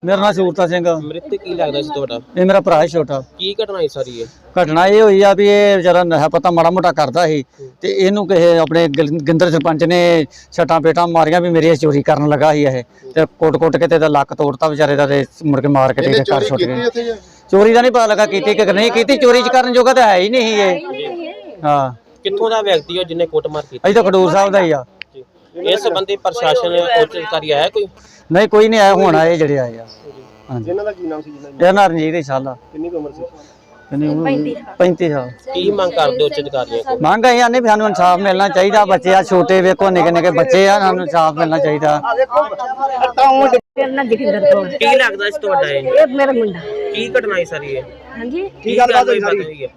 मेरा नाम सूरता सिंह। मृतक की लगदा सी तुहाडा? ये मेरा भरा है छोटा। की घटना है सारी है? घटना ये हुई आ भी ये बेचारा नशा पता माड़ा मोटा करता ਸੀ ਤੇ ਇਹਨੂੰ ਕਿਸੇ ਆਪਣੇ ਗਿੰਦਰ ਸਰਪੰਚ ਨੇ ਛਟਾਂ ਪੇਟਾਂ ਮਾਰੀਆਂ ਵੀ ਮੇਰੇ ਚੋਰੀ ਕਰਨ ਲੱਗਾ ਸੀ ਇਹ ਤੇ ਕੋਟ ਕੇ ਤੇ ਇਹਦਾ ਲੱਕ ਤੋੜਤਾ ਵਿਚਾਰੇ ਦਾ ਤੇ ਮੁੜ ਕੇ ਮਾਰ ਕੇ ਤੇ ਘਰ ਛੁੱਟ ਗਏ। ਚੋਰੀ ਦਾ ਨਹੀਂ ਪਤਾ ਲੱਗਾ ਕੀਤੀ ਕਿ ਨਹੀਂ ਕੀਤੀ, ਚੋਰੀ ਚ ਕਰਨ ਜੋਗਾ ਤਾਂ ਹੈ ਹੀ ਨਹੀਂ ਇਹ। ਹਾਂ, ਕਿੱਥੋਂ ਦਾ ਵਿਅਕਤੀ ਹੋ ਜਿੰਨੇ ਕੁੱਟਮਾਰ ਕੀਤੀ? ਅਜੇ ਤਾਂ ਖਡੂਰ ਸਾਹਿਬ ਦਾ ਹੀ ਆ। ਇਸ ਸੰਬੰਧੀ ਪ੍ਰਸ਼ਾਸਨ ਉੱਚ ਅਧਿਕਾਰੀ ਆਇਆ ਕੋਈ? ਨਹੀਂ ਕੋਈ ਨਹੀਂ ਆਇਆ, ਹੁਣ ਆਏ ਜਿਹੜੇ ਆਏ ਆ। ਹਾਂਜੀ, ਇਹਨਾਂ ਦਾ ਕੀ ਨਾਮ ਸੀ ਜਿਹਨਾਂ ਇਹਦਾ ਨਾਂ ਰਣਜੀਤ ਸਾਲਾ। ਕਿੰਨੀ ਉਮਰ ਸੀ? 35 ਸਾਲ। ਕੀ ਮੰਗ ਕਰਦੇ ਉੱਚ ਅਧਿਕਾਰੀਆਂ ਕੋਲ? ਮੰਗ ਇਹ ਆਨੇ ਵੀ ਸਾਨੂੰ ਇਨਸਾਫ ਮਿਲਣਾ ਚਾਹੀਦਾ। ਬੱਚੇ ਆ ਛੋਟੇ, ਵੇਖੋ ਨਿੱਕੇ ਨਿੱਕੇ ਬੱਚੇ ਆ, ਸਾਨੂੰ ਇਨਸਾਫ ਮਿਲਣਾ ਚਾਹੀਦਾ। ਕੀ ਲੱਗਦਾ ਸੀ ਤੁਹਾਡਾ ਇਹ ਮੇਰਾ ਮੁੰਡਾ। ਕੀ ਘਟਨਾ ਹੈ ਸਾਰੀ ਇਹ? ਹਾਂਜੀ, ਕੀ ਗੱਲਬਾਤ ਹੋਈ ਹੈ?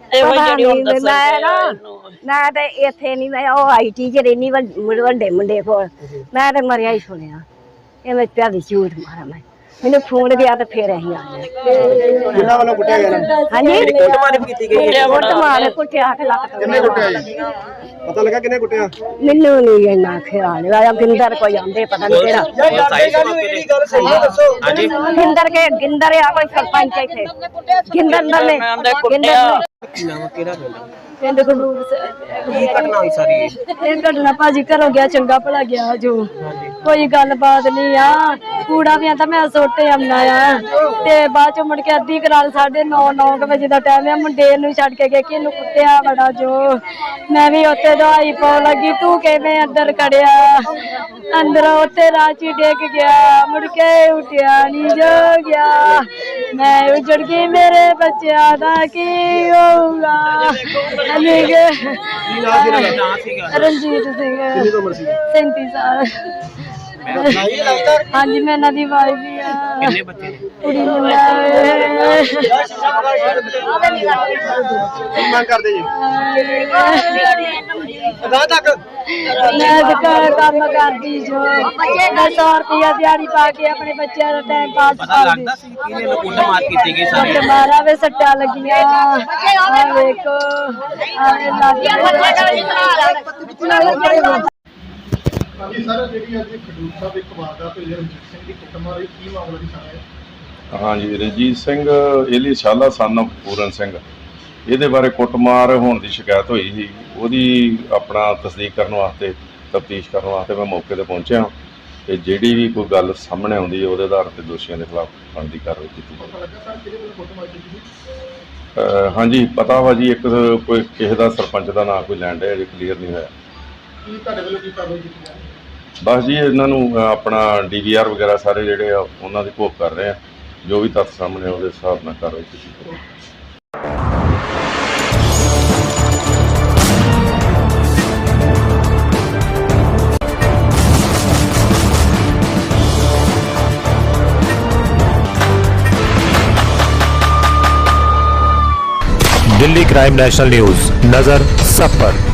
ਮੈਂ ਤੇ ਇੱਥੇ ਨਹੀਂ, ਮੈਂ ਉਹ IT ਚ ਰਹਿਨੀ ਵੱਡੇ ਮੁੰਡੇ ਕੋਲ। ਮੈਂ ਤੇ ਮਰਿਆ ਹੀ ਸੁਣਿਆ। ਇਹ ਮੈਂ ਪਿਆਦੀ ਝੂਠ ਮਾਰਾ। ਮੈਂ ਮੈਨੂੰ ਫੋਨ ਗਿਆ ਤੇ ਫੇਰ ਅਸੀਂ ਆ ਗਏ। ਕਿੰਨਾ ਵੱਲੋਂ ਕੁੱਟਿਆ ਗਿਆ? ਹਾਂਜੀ, ਕੁੱਟਮਾਰ ਕੀਤੀ ਗਈ ਹੈ? ਕੁੱਟਮਾਰ ਕੁੱਟਿਆ ਕੇ ਲੱਕ ਤੋਂ। ਕਿੰਨੇ ਕੁੱਟਿਆ ਜੀ? ਪਤਾ ਲੱਗਾ ਕਿੰਨੇ ਕੁੱਟਿਆ? ਮੈਨੂੰ ਨਹੀਂ ਇੰਨਾ ਖਿਆਲ ਆਇਆ। ਗਿੰਦਰ ਕੋਈ ਆਂਦੇ ਪਤਾ ਨਹੀਂ ਕਿਹੜਾ। ਹਾਂਜੀ, ਗਿੰਦਰ ਆ ਕੋਈ ਸਰਪੰਚ ਇੱਥੇ। ਗਿੰਦਰ ਨੇ ਗਿੰਦਰ ਕੀ ਨਾਮ ਕਿਹੜਾ ਪਿੰਡ? ਪਿੰਡ ਖਡੂਰ ਕੀ ਘਟਨਾ ਹੋਈ ਸਾਰੀ ਇਹ? ਇਹ ਘਟਨਾ ਭਾਜੀ ਘਰੋਂ ਗਿਆ, ਚੰਗਾ ਭਲਾ ਗਿਆ ਜੋ ਕੋਈ ਗੱਲਬਾਤ ਨਹੀਂ ਆ। ਕੂੜਾ ਵੀ ਆਂਦਾ ਮੈਂ ਸੋਟੇ ਆਉਣਾ ਆ ਤੇ ਬਾਅਦ ਚ ਮੁੜ ਕੇ ਅੱਧੀ ਕਰਾਲ 9:30 ਵਜੇ ਦਾ ਟਾਈਮ ਆ। ਮੁੰਡੇ ਨੂੰ ਛੱਡ ਕੇ ਗਿਆ ਕਿ ਇਹਨੂੰ ਕੁੱਟਿਆ ਬੜਾ ਜੋ। ਮੈਂ ਵੀ ਉੱਥੇ ਦਵਾਈ ਪਾਉਣ ਲੱਗੀ, ਤੂੰ ਕਿਵੇਂ ਅੰਦਰ ਖੜਿਆ? ਅੰਦਰ ਉੱਥੇ ਰਾਚੀ ਡਿੱਗ ਗਿਆ, ਮੁੜ ਕੇ ਉੱਠਿਆ ਨਹੀਂ ਜੋ ਗਿਆ। ਮੈਂ ਉਜੜ ਗਈ, ਮੇਰੇ ਬੱਚਿਆਂ ਦਾ ਕੀ ਹੋਊਗਾ? ਰਣਜੀਤ ਸਿੰਘ। ਕਿੰਨੀ ਉਮਰ ਸੀ? 37 ਸਾਲ। ਹਾਂਜੀ, ਮੈਂ ਇਹਨਾਂ ਦੀ ਵਾਈਫ ਵੀ ਆ। ਕਿੰਨੇ ਬੱਚੇ ਨੇ? ਕੁੜੀ ਨੂੰ ਕੀ ਮੰਗ ਕਰਦੇ ਜੀ? ਮੈਂ ਦੁਕਾਨ ਕੰਮ ਕਰਦੀ ਜੋ। ਮੈਂ 100 ਰੁਪਇਆ ਦਿਹਾੜੀ ਪਾ ਕੇ ਆਪਣੇ ਬੱਚਿਆਂ ਦਾ ਟਾਈਮ ਪਾਸ ਪਤਾ ਕਰਦੀ। ਲੱਗਦਾ ਸੀ ਕਿ ਇਹਨੂੰ ਕੁੱਟਮਾਰ ਕੀਤੀ ਗਈ ਸਾਰੀ? ਤੇ ਮਾਰਾ ਵੇ ਸੱਟਾਂ ਲੱਗੀਆਂ। ਆ ਵੇਖੋ ਹਾਂਜੀ ਸਰ, ਜਿਹੜੀ ਅੱਜ ਖਡੂਰ ਸਾਹਿਬ ਇੱਕ ਵਾਰਦਾਤ ਹੋਈ ਹੈ ਰਣਜੀਤ ਸਿੰਘ ਦੀ ਕੁੱਟਮਾਰ ਹੋਈ, ਕੀ ਮਾਮਲਾ ਜੀ ਸਾਰਾ? ਹਾਂਜੀ, ਰਣਜੀਤ ਸਿੰਘ ਏਲੀ ਸ਼ਾਲਾ ਸਨ ਪੂਰਨ ਸਿੰਘ, ਇਹਦੇ ਬਾਰੇ ਕੁੱਟਮਾਰ ਹੋਣ ਦੀ ਸ਼ਿਕਾਇਤ ਹੋਈ ਸੀ। ਉਹਦੀ ਆਪਣਾ ਤਸਦੀਕ ਕਰਨ ਵਾਸਤੇ, ਤਫਤੀਸ਼ ਕਰਨ ਵਾਸਤੇ ਮੈਂ ਮੌਕੇ 'ਤੇ ਪਹੁੰਚਿਆ ਤੇ ਜਿਹੜੀ ਵੀ ਕੋਈ ਗੱਲ ਸਾਹਮਣੇ ਆਉਂਦੀ ਹੈ ਉਹਦੇ ਆਧਾਰ 'ਤੇ ਦੋਸ਼ੀਆਂ ਦੇ ਖਿਲਾਫ ਬਣਦੀ ਕਾਰਵਾਈ ਕੀਤੀ ਜਾਵੇ। ਹਾਂਜੀ, ਪਤਾ ਵਾ ਜੀ, ਇੱਕ ਕੋਈ ਕਿਸੇ ਦਾ ਸਰਪੰਚ ਦਾ ਨਾਂ ਕੋਈ ਲੈਣ ਡਿਆ, ਅਜੇ ਕਲੀਅਰ ਨਹੀਂ ਹੋਇਆ। ਕੀ ਤੁਹਾਡੇ ਵੱਲੋਂ ਕੀ ਕਾਰਵਾਈ ਕੀਤੀ ਜਾ ਰਹੀ ਹੈ? ਬਸ ਜੀ, ਇਹਨਾਂ ਨੂੰ ਆਪਣਾ DVR ਵਗੈਰਾ ਸਾਰੇ ਜਿਹੜੇ ਆ ਉਹਨਾਂ ਦੀ ਘੋਖ ਕਰ ਰਹੇ ਆ। ਜੋ ਵੀ ਤੱਥ ਸਾਹਮਣੇ ਉਹਦੇ ਹਿਸਾਬ ਨਾਲ ਕਾਰਵਾਈ ਕੀਤੀ ਜਾਵੇ। दिल्ली क्राइम नेशनल न्यूज, नजर सब पर।